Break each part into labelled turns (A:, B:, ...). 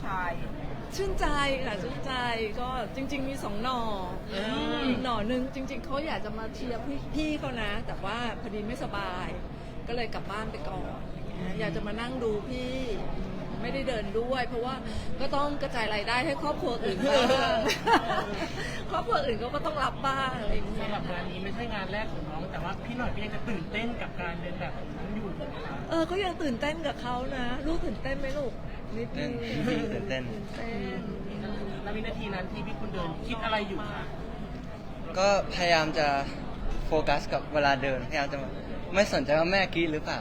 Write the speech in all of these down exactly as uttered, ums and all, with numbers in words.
A: ชาย
B: ชื่นใจค่ะชื่นใจก็จริง ๆ มีสองหน่ออีกหน่อนึงจริง ๆเขาอยากจะมาเชียร์พี่พี่เขานะ แต่ว่าพอดีไม่สบาย ก็เลยกลับบ้านไปก่อนอยากจะมานั่งดูพี่ไม่ได้เดินด้วย เพราะว่าก็ต้องกระจายรายได้ให้ครอบครัวอื่นบ้างครอบครัวอื่นเขาก็ต้องรับบ้างอะไรอย่างเงี้ย
C: สำหรับงานนี้ไม่ใช่งานแรกของน้องแต่ว่าพี่หน่อยก็ยังจะตื่นเต้นกับการเดินแบบของน้องอยู่นะคะ
B: เออก็ยังตื่นเต้นกับเขานะลูกตื่นเต้นไหมลูกนิดนึง
D: ตื่นเต้น
B: ตื่นเต้น
C: แล้ววินาทีนั้นที่พี่คุณเดินคิดอะไรอยู่คะ
D: ก็พยายามจะโฟกัสกับเวลาเดินพยายามจะไม่สนใจว่าแม่กรี๊ดหรือเปล่า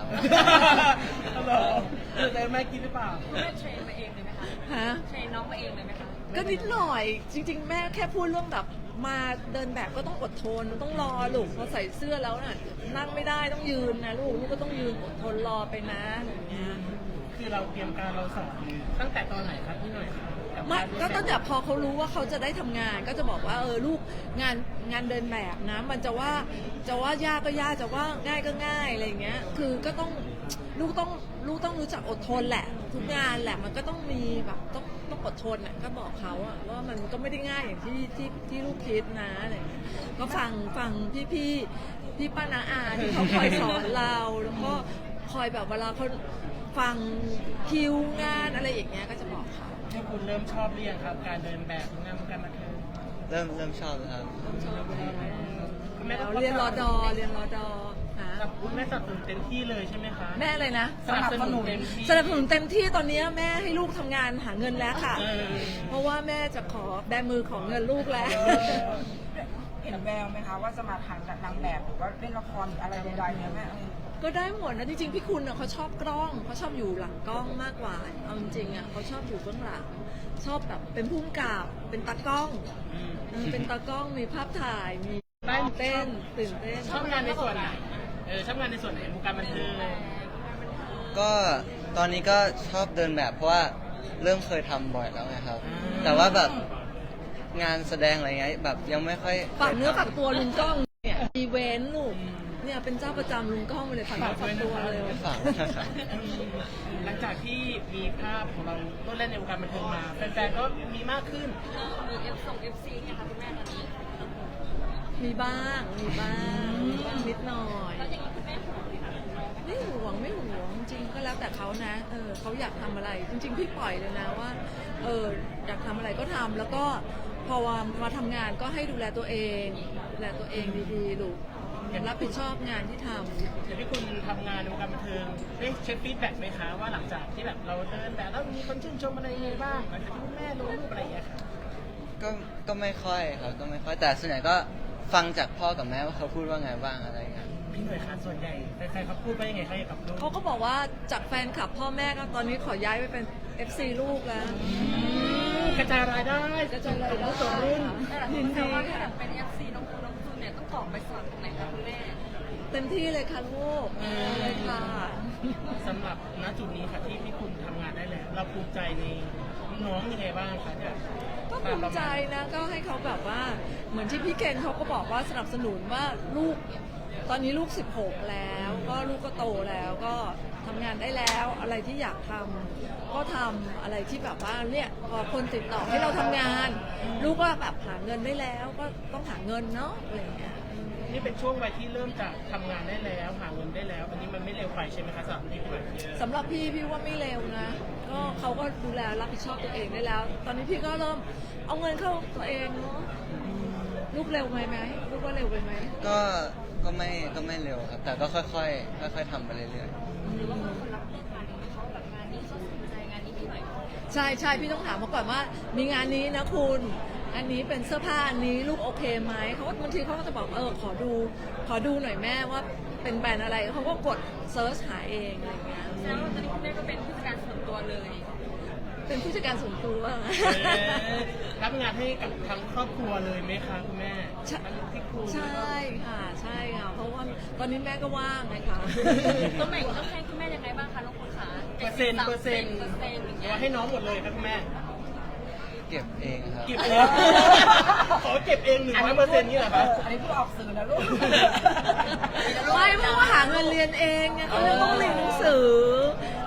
C: เออแต่แม่คิดหรือเปล่า
A: แม่เทรนมาเองเลยไหมคะ
B: ฮะ
A: เทรนน้องมาเองเลยไหมคะ
B: ก็นิดหน่อยจริง ๆ แม่แค่พูดเรื่องแบบมาเดินแบบก็ต้องอดทนต้องรอลูกพอใส่เสื้อแล้วน่ะนั่งไม่ได้ต้องยืนนะลูกลูกก็ต้องยืนอดทนรอไปนะอย่างเงี้ย
C: คือเราเตรียมการเราสอนตั้งแต่ตอนไหนครับพี่หน่อยครับบ
B: ไม่
C: ารเดิน
B: ก็
C: แบบ
B: ตั้งแต่พอเขารู้ว่าเขาจะได้ทำงาน ก็จะบอกว่าเออลูกงานงานเดินแบบนะ มันจะว่าจะว่ายากก็ยากจะว่าง่ายก็ง่ายอะไรอย่างเงี้ยคือก็ต้องลูกต้องลูกต้องรู้จักอดทนแหละ ทุกงานแหละมันก็ต้องมีแบบต้องต้องอดทนอ่ะก็บอกเขาอะว่ามันก็ไม่ได้ง่ายอย่างที่ที่ที่ลูกคิดนะอะไรอย่างเงี้ยก็ฟังฟังพี่พี่พี่ป้านาอาที่เขาคอยสอนเราแล้วก็คอยแบบเวลาเขาฟังคิวงานอะไรอย่างเงี้ยก็จะบอกเขา
C: ให้คุณเริ่มชอบเรียงครับ การเดินแบบงานวงการบันเทิง
D: เริ่มเริ่มชอบแล้วครับ
C: คุณแม่ต้อง
B: เรียนรอดอเรียนรอดอฮะ
C: คุณแม่สนับสนุนเต็มที่เลยใช่ไหมคะ
B: แม่เลยนะ
C: สนับสนุนเต็มที่
B: สนับสนุนเต็มที่ตอนนี้แม่ให้ลูกทำงานหาเงินแล้วค่ะ
C: เออ
B: เพราะว่าแม่จะขอแบมือของเงินลูกแล้ว
A: เห็นแววไหมคะว่าจะมาทางนางแบบหรือว่าเล่นละครหรืออะไรใดๆเนี่ยแม่เออ
B: ก็ได้หมดนะจริงๆพี่คุณน่ะเขาชอบกล้องเขาชอบอยู่หลังกล้องมากกว่าเอาจริงๆอ่ะเขาชอบอยู่เบื้องหลังชอบแบบเป็นผู้กำกับเป็นตากล้อง
C: อืม
B: เออเป็นตากล้องมีภาพถ่ายมีตื่นเต้นตื่นเต้น
C: ชอบงานในส่วนไหนเออชอบงานในส่วนไหนวงการบันเทิง
D: ก็ตอนนี้ก็ชอบเดินแบบเพราะว่าเริ่มเคยทำบ่อยแล้วไงครับ แต่ว่าแบบงานแสดงอะไรเงี้ยแบบยังไม่ค่อย
B: ฝากเนื้อฝากตัวลุงกล้องเนี่ยอีเวนต์ลูกเนี่ยเป็นเจ้าประจำลุงกล้องไปเลยฝากเนื้อฝากตัวเลย
D: ไม่ฝากนะครับ
C: หลังจากที่มีภาพของเราต้นเล่นในวงการบันเทิงมาแฟนๆก็มีมากขึ้น
A: มีเอฟส่งเอฟซีเนี่ยค่ะคุณแม่ตอนนี้
B: มีบ้างมีบ้างมีบ้างนิดหน่อย
A: แล้วอย่างนี้คุณแม่ห่วงไหมคะน้องไหม
B: ไม่หวงไม่หวงจริงๆก็แล้วแต่เขานะเออเขาอยากทำอะไร จริง ๆ พี่ปล่อยเลยนะว่าเอออยากทำอะไรก็ทำแล้วก็พอมาทำงานก็ให้ดูแลตัวเองดูแลตัวเองดีๆลูกรับผิดชอบงานที่ทำ
C: เดี๋ยวพี่คุณทำงานในวงการบันเทิงได้เช็คฟีดแบ็กไหมคะว่าหลังจากที่แบบเราเดินแบบแล้วมีคนชื่นชมอะไรยังไงบ้างหลังจากที่คุณแม่ลงรูปอะไรอย่างเงี้ยค่ะ
D: ก็ก็ไม่ค่อยครับก็ไม่ค่อยแต่ส่วนใหญ่ก็ฟังจากพ่อกับแม่ว่าเขาพูดว่าไงบ้างอะไรเงี้ย
C: พี่หน่วยคะส่วนใหญ่ใครๆเขาพูดว่ายังไงคะเกี่ยวกับลูก
B: เขาก็บอกว่าจากแฟนคลับพ่อแม่ก็ตอนนี้ขอย้ายไปเป็น เอฟ ซี ลูกแล้ว
C: กระจายรายได้
B: กระจายรายได้
C: ส่งรุ่น
A: แต่หลายคนแซวว่าถ้าแบบเป็นเอฟซีน้องคุณน้องคุณเนี่ยต้องกรอกไปสอนตรงไหนคะคุณแม่
B: เต็มที่เลยค่ะลูกเลยค่ะ
C: สำหรับณจุดนี้ค่ะที่พี่คุณทำงานได้แล้ว เราภูมิใจในน้องยังไงบ้างคะเนี่ย
B: ก็ภูมิใจนะก็ให้เขาแบบว่าเหมือนที่พี่เกณฑ์เขาก็บอกว่าสนับสนุนว่าลูกตอนนี้ลูกสิบหกแล้วก็ลูกก็โตแล้วก็ทำงานได้แล้วอะไรที่อยากทำก็ทำอะไรที่แบบว่าเนี่ยพอคนติดต่อให้เราทำงาน ลูกก็แบบหาเงินได้แล้วก็ต้องหาเงินเนาะอะไรอย่างเงี้ย
C: นี่เป็นช่วงวัยที่เริ่มจะทำงานได้แล้วหาเงินได้แล้ว อันนี้มันไม่เร็วไปใช่ไหมคะสำหรับพี่คุณ
B: สำหรับพี่พี่ว่าไม่เร็วนะก็เขาก็ดูแลรับผิดชอบตัวเองได้แล้ว ตอนนี้พี่ก็เริ่มเอาเงินเข้าตัวเองเนาะลูกเร็วไหมไหมลูกว่าเร็วไปไหม
D: ก็ก็ไม่ก็ไม่เร็วครับ แต่ก็ค่อยๆค่อยๆทำไปเรื่อย
A: หรือว่าคนรับเลือกงานนี้เขาแบบงานนี้เขาสนใจงานนี้พี่หน่อย
B: ใช่ใช่พี่ต้องถามมาก่อนว่ามีงานนี้นะคุณอันนี้เป็นเสื้อผ้าอันนี้ลูกโอเคไหมเขาก็บางทีเขาก็จะบอกเออขอดูขอดูหน่อยแม่ว่าเป็นแบรนด์อะไรเขาก็กดเซิร์ชหาเองอะไรเงี้ย
A: แสดงว่าตอนนี้คุณแม่ก็เป็นผู้จัดการส่วนตัวเลย
B: เป็นผู้จัดการส่วนตัว
C: รับงานให้กับทั้งครอบครัวเลยไหมคะคุณแม่
B: ใช่
C: ทั้งพี่คุณ
B: ใช่ค่ะใช่ค่ะเพราะว่าตอนนี้แม่ก็ว่างนะคะ
A: ต้องแบ่งต้องให้คุณแม่ยังไงบ้างคะน้องคุณคะ
C: เปอร์เซ็นต์เปอร์เซ็นต์
A: เปอร์เซ็นต์อย่าง
C: หรื
A: เงี้
C: อย ว่าให้น้องหมดเลยครับคุณแม่
D: ๆ เก็บเองครับ
C: เก็บเองขอเก็บเองหนึ่งร้อยเปอร์เซ็นต์นี่เหรอครับ
A: อันนี้พูดออกสื่อนะลูก
B: ไม่เพราะว่าหาเงินเรียนเองไงเขาเลยต้องเรียนหนังสือใช่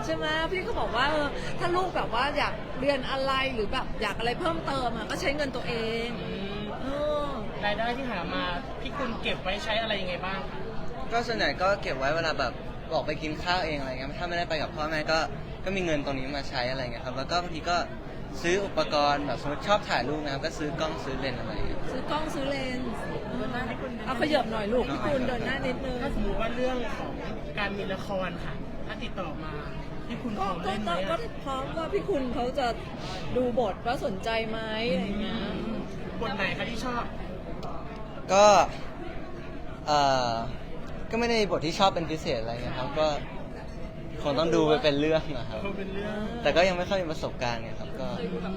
B: ช่ไหมพี่ก็บอกว่าเออถ้าลูกแบบว่าอยากเรียนอะไรหรือแบบอยากอะไรเพิ่มเติมอ่ะก็ใช้เงินตัวเองเออ
C: รายได้ที่หามาพี่คุณเก็บไว้ใช้อะไรยังไงบ้างคะ
D: ก็ส่วนใหญ่ก็เก็บไว้เวลาแบบออกไปกินข้าวเองอะไรเงี้ยถ้าไม่ได้ไปกับพ่อแม่ก็ก็มีเงินตรงนี้มาใช้อะไรเงี้ยครับแล้วก็บางทีก็ซื้ออุปกรณ์แบบสมมติชอบถ่ายรูปนะครับก็ซื้อกล้องซื้อเลนส์อะไรเงี้ย
B: ซื้อกล้องซื้อเลนส์เอาขยับหน่อยลูกพี่คุณเดินหน้านิดนึง
C: ถ้าสมมติว่าเรื่องของการมีละครค่ะ ถ้าติดต่อมาพี่คุณพ
B: ก็
C: ร้อม
B: ก็
C: เล่นไหม
B: ก็
C: อะ
B: ก็พร้อมว่าพี่คุณเขาจะดูบทว่าสนใจไหมอะไรเงี้ย
C: บทไหนคะที่ชอบ
D: ก็เอ่อก็ไม่ได้มีบทที่ชอบเป็นพิเศษอะไรเงี้ยครับก็คงต้องดูไปเป็นเรื่องนะครับ
C: เขาเป็นเรื่อง
D: แต่ก็ยังไม่ค่อยมีประสบการณ์ไงครับก็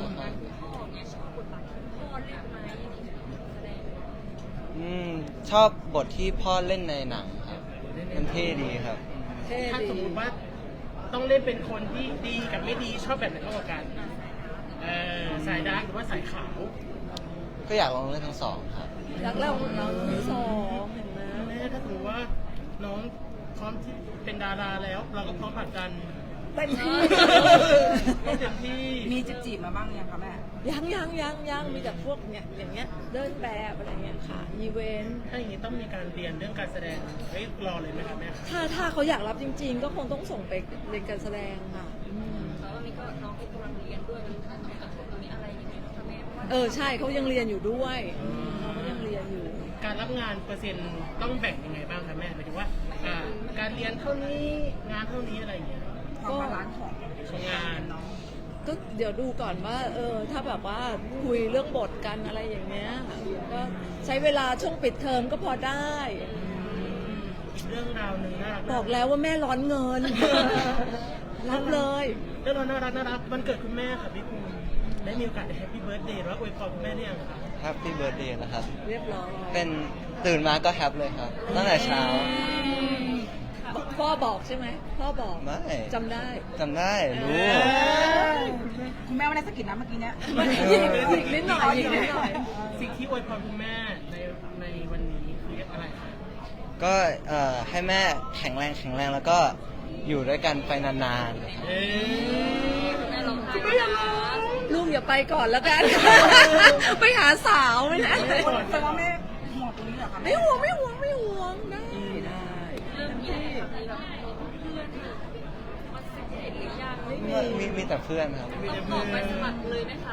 D: อืมชอบบทที่พ่อเล่นในหนังครับมันเท่ดีครับ
B: เท่
C: ถ้า
B: ดี
C: สมมติว่าต้องเล่นเป็นคนที่ดีกับไม่ดีชอบแบบไหนมากกว่ากันเออสายดาร์กหรือว่าสายขาว
D: ก็อยากลองเล่นทั้งสองครับ
B: รักเราน้องที่สองเห็นไหม
C: แม่ถ้าสมมติว่าน้องพร้อมที่เป็นดาราแล้ว เราก็พร้อมผลักดัน
B: เต็มที่
C: ต้องเต็มที่
A: มีจีบจีบๆมาบ้างยังคะแม่
B: ยังยังยังยังมีแต่พวกเนี้ยอย่างเงี้ยเดินแบบอะไรเงี้ยค่ะอีเวนต์
C: ถ้าอย่างนี้ต้องมีการเรียนเรื่องการแสดงไว้รอเลยไหมครับแม่
B: ถ้าถ้าเขาอยากรับจริง ๆ ก็คงต้องส่งไปเรียนการแสดงค่ะอืม
E: แล้ววันนี้ก็น้องก็กำลังเรียนด้วยมันต้องกับตรงนี้อะไรยังไงบ้างคะแม่เพราะว่า
B: เออใช่เขายังเรียนอยู่ด้วยเขาก็ยังเรียนอยู่
C: การรับงานเปอร์เซ็นต์ต้องแบ่งยังไงบ้างคะแม่หมายถึงว่าอ่า การเรียนเท่านี้งานเท่านี้อะไรอย่างเงี้ย
A: ความบาลานซ์ของ
C: ของงาน
A: เนาะ
B: ก็เดี๋ยวดูก่อนว่า เออ ถ้าแบบว่าคุยเรื่องบทกันอะไรอย่างเงี้ยก็ใช้เวลาช่วงปิดเทอมก็พอได้
C: อีกเรื่องราวหนึ่งน่ารัก
B: บอกแล้วว่าแม่ร้อนเงิน รับเลย
C: เรื่องราวน่ารักน่ารักวันเกิดคุณแม่ค่ะพี่ภูมิได้มีโอกาสได้แฮปปี้เบิร์ดเดย์หรือว่าอวยพรคุณแม่ได้ยังคะ
D: แฮปปี้เบิร์ดเดย์นะครับ
B: เรียบร้อย
D: เป็นตื่นมาก็แฮปเลยครับ ตั้งแต่เช้า
B: พ่อบอกใช่ไหมพ่อบอก
D: ไม่
B: จำได้
D: จำได้รู้
A: คุณแม่ไม่ได้สะกิดนะเมื่อกี้เนี้ย
B: อีกนิดหน่อยอีกนิดหน่อย
C: สิ่งที่อวยพรคุณแม่ในในวันนี้คืออะไรคะ
D: ก็เอ่อให้แม่แข็งแรงแข็งแรงแล้วก็อยู่ด้วยกันไปนานๆนะครับ
C: เอ๊ะ
E: แม่ร้องไห้นะคะ
B: ลูกอย่าไปก่อนแล้วกัน ไปหาสาวไม่ได้
A: แต่ว่าแม่ห่วงตรงนี้เหรอคะ
B: ไม่ห่วงไม่ห่วงไม่ห่วงได้ได้
E: เริ่มมีอะไรคะมีแบบเพื่อนมาสนิทหรือยัง
D: มีมีมีแต่เพื่อนครับ
C: มี
E: ต้
C: แต่
E: องบ
C: เพื่
E: อ
C: อก
E: ไปส
C: น
E: มัครเลยไหมคะ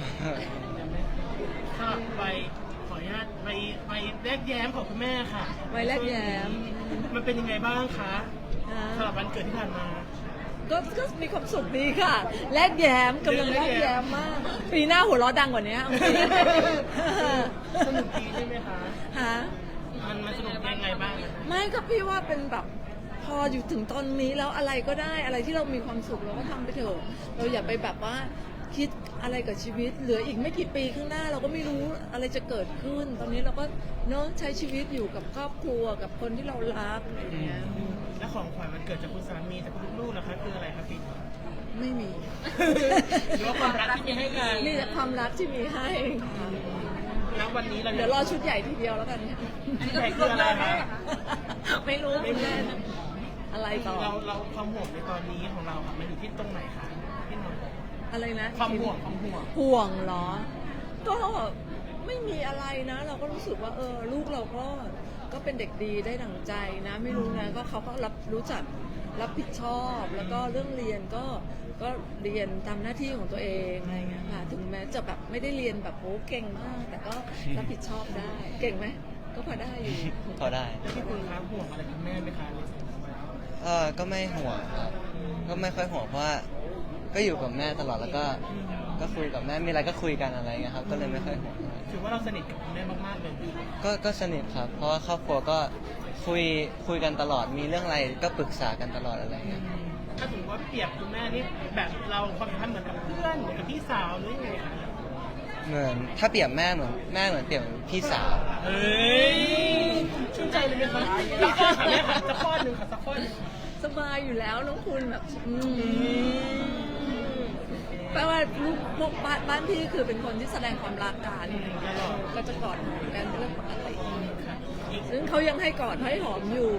C: ค่ะไปขออนุญาตไปไปแลกแย้มของคุณแม่ค่ะ
B: ไว้แลกแย้ม
C: มันเป็นยังไงบ้างคะ
B: อ่า
C: สำหรับวันเกิดที่ผ่านมา
B: ก็ก็มีความสุขดีค่ะ แลกแย้มกำลังแลกแย้มมาก ปีหน้าหัวเราะดังกว่านี้เอาจริง
C: สนุกดีใช่ไหมคะ
B: ฮะ
C: มันมันสนุกยังไงบ้างอะคะ
B: ไม่ก็พี่ว่าเป็นแบบพออยู่ถึงตอนนี้แล้วอะไรก็ได้อะไรที่เรามีความสุขเราก็ทำไปเถอะเราอย่าไปแบบว่าคิดอะไรกับชีวิต เหลืออีกไม่กี่ปีข้างหน้าเราก็ไม่รู้อะไรจะเกิดขึ้น ตอนนี้เราก็เนาะใช้ชีวิตอยู่กับครอบครัวกับคนที่เรารักอะไรอย่างเงี้ย
C: และของขวัญวันเกิดจากคุณสามีจากคุณลูกๆนะคะคืออะไรคะพี่
B: ไม่มี
C: หรือว่าความรักที่มีให้กัน
B: มีแต่ความรักที่มีให้ค่ะ
C: ณวันนี้เรา
B: เดี๋ยวรอชุดใหญ่ทีเดียวแล้วกันเนี่ย
C: ใหญ่คืออะไรคะ
B: ไม่รู้คุณแม่นะอะไรต่อ
C: เราเราความห่วงในตอนนี้ของเราค่ะมันอยู่ที่ตรงไหนคะพี่หน่อย
B: อะไรนะ
C: ความห่วงความห่วง
B: ห่วงเหรอ ก็ไม่มีอะไรนะ เราก็รู้สึกว่า เออ ลูกเราก็ก็เป็นเด็กดีได้ดั่งใจนะ ไม่รู้นะก็เขาก็รับรู้จักรับผิดชอบ แล้วก็เรื่องเรียนก็ก็เรียนทำหน้าที่ของตัวเองอะไรเงี้ยค่ะถึงแม้จะแบบไม่ได้เรียนแบบโหเก่งมาก แต่ก็รับผิดชอบได้ เก่งไหมก็พอได้อยู่
D: พอได้
C: แล้วพี่คุณคะห่วงอะไรคุณแม่ไหมคะในส่วนของเรา
D: เออก็ไม่ห่วงครับ ก็ไม่ค่อยห่วงเพราะว่าก็อยู่กับแม่ตลอดแล้วก็ก็คุยกับแม่มีอะไรก็คุยกันอะไรเงี้ยครับ ก็เลยไม่ค่อยห่วงอะไร
C: ถือว่าเราสนิทกับคุณแม่มากๆเลย
D: ก็ก็สนิทครับ เพราะว่าครอบครัวก็คุยคุยกันตลอดมีเรื่องอะไรก็ปรึกษากันตลอดอะไรเงี้ย
C: ถ้าถือว่าเปรียบคุณแม่นี่แบบเราความสัมพันธ์เหมือนกับเพื่อนเหมือนกับพี่สาวหรือยังไงคะ
D: เหมือนถ้าเปรียบแม่เหมือนแม่เหมือนเปรียบเหมือนพี่สาว
C: เฮ้ยชื่นใจเลยไหมคะสักข้อค่ะแม่ค่ะสักข้อหนึ่งค่ะสักข้อหนึ่ง
B: สบายอยู่แล้วน้องคุณแบบอืมแปลว่าลูกพวกบ้านบ้านพี่คือเป็นคนที่แสดงความรักกันก็จะกอดหอมกันเป็นเรื่องปกติซึ่งเขายังให้กอดให้หอมอยู่
C: เอ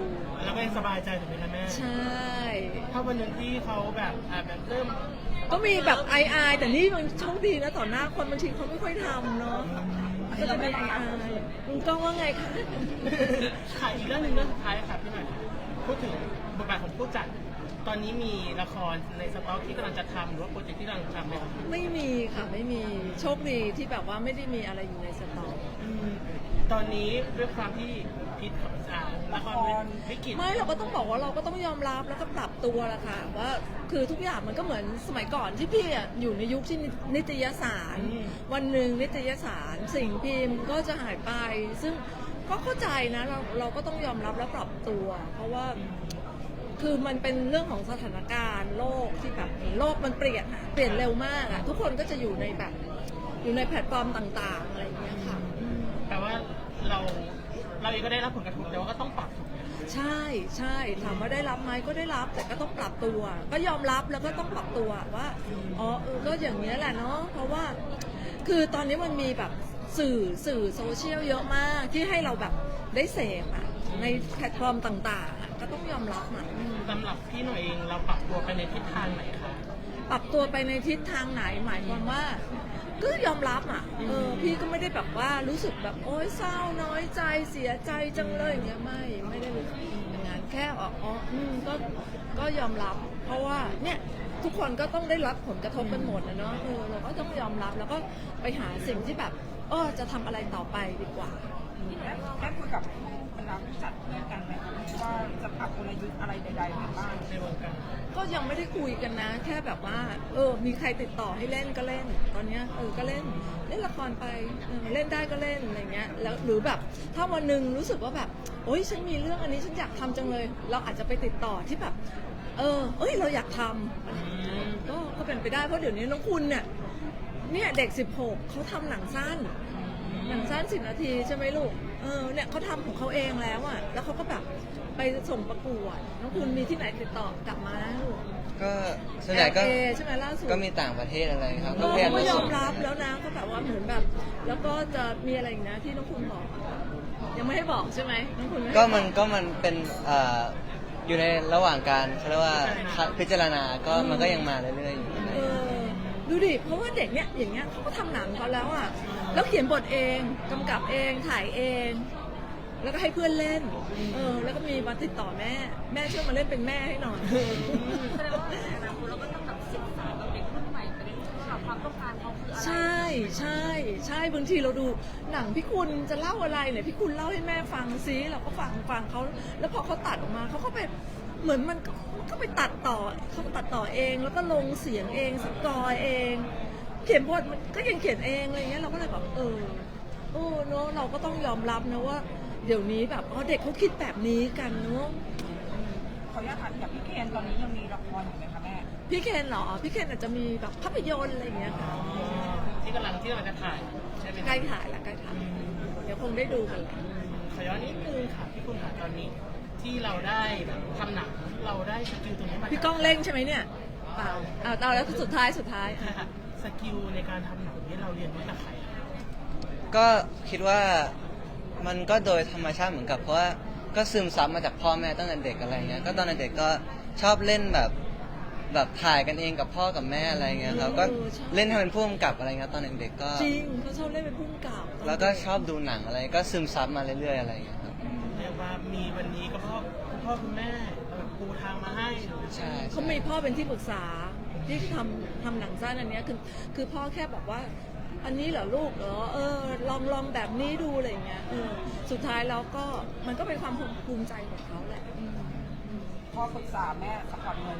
C: แล้วก็ยังสบายใจถูกไหมคะแม่
B: ใช่
C: ถ้าวันหนึ่งที่เขาแบบอ่าแบบเริ่ม
B: ก็มีแบบไอไอายแต่นี่มันโชคดีนะต่อหน้าคนบางทีเขาไม่ค่อยทำเนาะก็จะเป็นไอไอายคุณก้องว่าไงคะ
C: ค่ะอีกเรื่องหนึ่งเรื่องสุดท้ายค่ะพี่หน่อยพูดถึงบทบาทของผู้จัด ตอนนี้มีละครในสต็อกที่กำลังจะทำหรือว่าโปรเจกต์ที่กำลังทำไหมครับ
B: ไม่มีค่ะไม่มีโชคดีที่แบบว่าไม่ได้มีอะไรอยู่ในสต็อก
C: อืมตอนนี้ด้วยความที่พิษของอ่าละครวิกฤต
B: ไม่เราก็ต้องบอกว่าเราก็ต้องยอมรับแล้วก็ปรับตัวแหละค่ะว่าคือทุกอย่างมันก็เหมือนสมัยก่อนที่พี่อะอยู่ในยุคที่นิตยสาร วันหนึ่งนิตยสารสิ่งพิมพ์ก็จะหายไป ซึ่งก็เข้าใจนะเราเราก็ต้องยอมรับและปรับตัว เพราะว่าคือมันเป็นเรื่องของสถานการณ์โลกที่แบบโลกมันเปลี่ยนอะเปลี่ยนเร็วมากอะทุกคนก็จะอยู่ในแบบอยู่ในแพลตฟอร์มต่างๆอะไรอย่างเงี้ยค่ะอืม
C: แปลว่าเราเราเองก็ได้รับผลกระทบแต่ว่าก็ต้องปรับถูกไหม
B: ใช่ใช่ถามว่าได้รับไหมก็ได้รับแต่ก็ต้องปรับตัว ก็ยอมรับแล้วก็ต้องปรับตัวว่าอ๋อเออก็อย่างนี้ยแหละเนาะเพราะว่าคือตอนนี้มันมีแบบสื่อสื่อโซเชียลเยอะมากที่ให้เราแบบได้เสพอะในแพลตฟอร์มต่างๆอะก็ต้องยอมรับมัน
C: สำหรับพี่หน่อยเองเราปรับตัวไปในทิศทางไหนคะ
B: ปรับตัวไปในทิศทางไหนหมายความว่าก็ยอมรับอ่ะเออพี่ก็ไม่ได้แบบว่ารู้สึกแบบโอ๊ยเศร้าน้อยใจเสียใจจังเลยอย่างเงี้ยไม่ไม่ได้รู้สึกอย่างนั้นแค่อ๋ออ๋ออืมก็ก็ยอมรับ เพราะว่าเนี่ยทุกคนก็ต้องได้รับผลกระทบกันหมดนะเนาะเออเราก็ต้องยอมรับแล้วก็ไปหาสิ่งที่แบบเออจะทำอะไรต่อไปดีกว่า
A: ได้ได้คุยกับบรรดาผู้จัดด้วยกันไหมคะว่าจะปรับกลยุทธ์อะไรใดๆกันบ้าง
C: ในวงการ
B: ก็ยังไม่ได้คุยกันนะ แค่แบบว่า เออ มีใครติดต่อให้เล่นก็เล่น ตอนเนี้ยเออก็เล่นเล่นละครไปเออเล่นได้ก็เล่นอะไรเงี้ยแล้วหรือแบบถ้าวันหนึ่งรู้สึกว่าแบบโอ๊ยฉันมีเรื่องอันนี้ฉันอยากทำจังเลย เราอาจจะไปติดต่อที่แบบ เออ เอ้ยเราอยากทำก็ก็เป็นไปได้เพราะเดี๋ยวนี้น้องคุณเนี่ยเนี่ยเด็กสิบหกเขาทำหนังสั้น หนังสั้นสิบนาทีใช่ไหมลูก เออเนี่ยเขาทำของเขาเองแล้วอ่ะ แล้วเขาก็แบบไปส่งประกวด น้องคุณมีที่ไหนติดต่อกลับมานะลูก
D: ก็ส่วนใหญ่ก็
B: แอล เอ ใช่ไหมล่าสุด
D: ก็มีต่างประเทศอะไรครับ
B: เอ
D: ก็
B: อ
D: พยายาม
B: เขาก็
D: จะ
B: ยอ
D: ส่
B: ม
D: ง
B: รับแล้วนะก็แบบว่าเหมือนแบบ แล้วก็จะมีอะไรอีกนะที่น้องคุณบอกอะยังไม่ให้บอกใช่ไหมน้องคุณไให้
D: ก็มัน
B: บอก
D: ก็มันเป็นเอ่ออยู่ในระหว่างการเขาเรียกว่าพิจารณาก็มันก็ยังมาเรื่อยๆอยู่ใน
B: เออดูดิ เพราะว่าเด็กเนี้ยอย่างเงี้ยเขาก็ทำหนังเขาแล้วอ่ะ แล้วเขียนบทเองกำกับเองถ่ายเอง แล้วก็ให้เพื่อนเล่น เออ แล้วก็มีมาติดต่อแม่ แม่ช่วยมาเล่นเป็นแม่ให้หน่อย
E: แสดงว่าในอนาคตเราก็ต้องแบบศึกษากับเด็กรุ่นใหม่ไปเรื่อยๆว่าความต้องการเขาคืออะไร
B: ใช่ใช่ใช่บางทีเราดูหนังพี่คุณจะเล่าอะไรเนี่ยพี่คุณเล่าให้แม่ฟังซิเราก็ฟังฟังเขาแล้วพอเขาตัดออกมาเขาก็ไปเหมือนมันก็มันก็ไปตัดต่อเขาตัดต่อเองแล้วก็ลงเสียงเองสกอร์เอง เขียนบทมันก็ยังเขียนเองอะไรเงี้ยเราก็เลยแบบเออโอ้เนอะเราก็ต้องยอมรับนะว่าเดี๋ยวนี้แบบอ๋อเด็กเขาคิดแบบนี้กันเนอะ
A: ขออนุญาตถามอย่างพี่เคนตอนนี้ยังมีละครอยู่ไหมคะแม่
B: พี่เคนเหรอพี่เคนอาจจะมีแบบภาพยนตร์อะไรอย่างเงี้ยค่ะ
C: ที่กำลังที่กำลังจะถ่ายใช่ไหม
B: ใกล้ถ่ายละใกล้ถ่ายเดี๋ยวคงได้ดูกันแหละ
C: ขอย้อนนิดนึงค่ะพี่คุณค่ะตอนนี้ที่เราได้แบบทำหนังเราได้สกิลตรงนี้มา
B: พี่ก้องเล่งใช่ไหมเนี่ยเปล่าอ่าเอาแล้วสุดท้ายสุดท้าย
C: ใช่ค่ะสกิลในการทำหนังนี้เราเรียนรู้จากใครอะ
D: ก็คิดว่ามันก็โดยธรรมชาติเหมือนกับเพราะว่าก็ซึมซับมาจากพ่อแม่ตั้งแต่เด็กอะไรเงี้ยก็ตอนเด็กก็ชอบเล่นแบบแบบถ่ายกันเองกับพ่อกับแม่อะไรเงี้ยครับก็เล่นให้เป็นผู้กำกับอะไรเงี้ยตอนเด็กๆก็
B: จริงเขาชอบเล่นเป็นผู้กำกับ
D: แล้วก็ชอบดูหนังอะไรก็ซึมซับมาเรื่อยๆอะไรเงี้ยครับ
C: เรียกว่ามีวันนี้ก็เพราะคุณพ่อคุณแม่แบบปูทางมาให้
D: ใช่
B: เขามีพ่อเป็นที่ปรึกษาที่ทำทำหนังสั้นอันเนี้ยคือคือพ่อแค่บอกว่า อันนี้เหรอลูกเหรอเออลองลองแบบนี้ดูอะไรอย่างเงี้ยเออสุดท้ายแล้วก็มันก็เป็นความภูมิใจของเขาแหละอืม
A: พ่อปรึกษาแม่สปอร์ตเงิน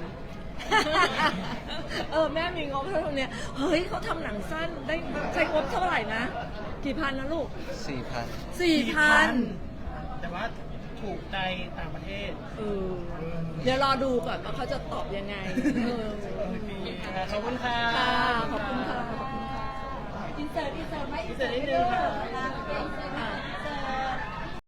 B: เออแม่มีงบเท่าเนี้ยเฮ้ยเขาทำหนังสั้นได้ใช้งบเท่าไหร่นะกี่พันนะลูก
D: สี่พัน
B: สี่พัน
C: แต่ว่าถูกใจต่างประเทศ
B: เออเดี๋ยวรอดูก่อนว่าเขาจะตอบยังไงเออ
C: ขอบคุณค่ะ
B: ค่ะขอบคุณค่ะขอบคุณค่ะ
E: อินเสิร์ตอินเสิร์ตไหม
C: อินเสิร์ตนิดนึงค่ะ
B: อ่า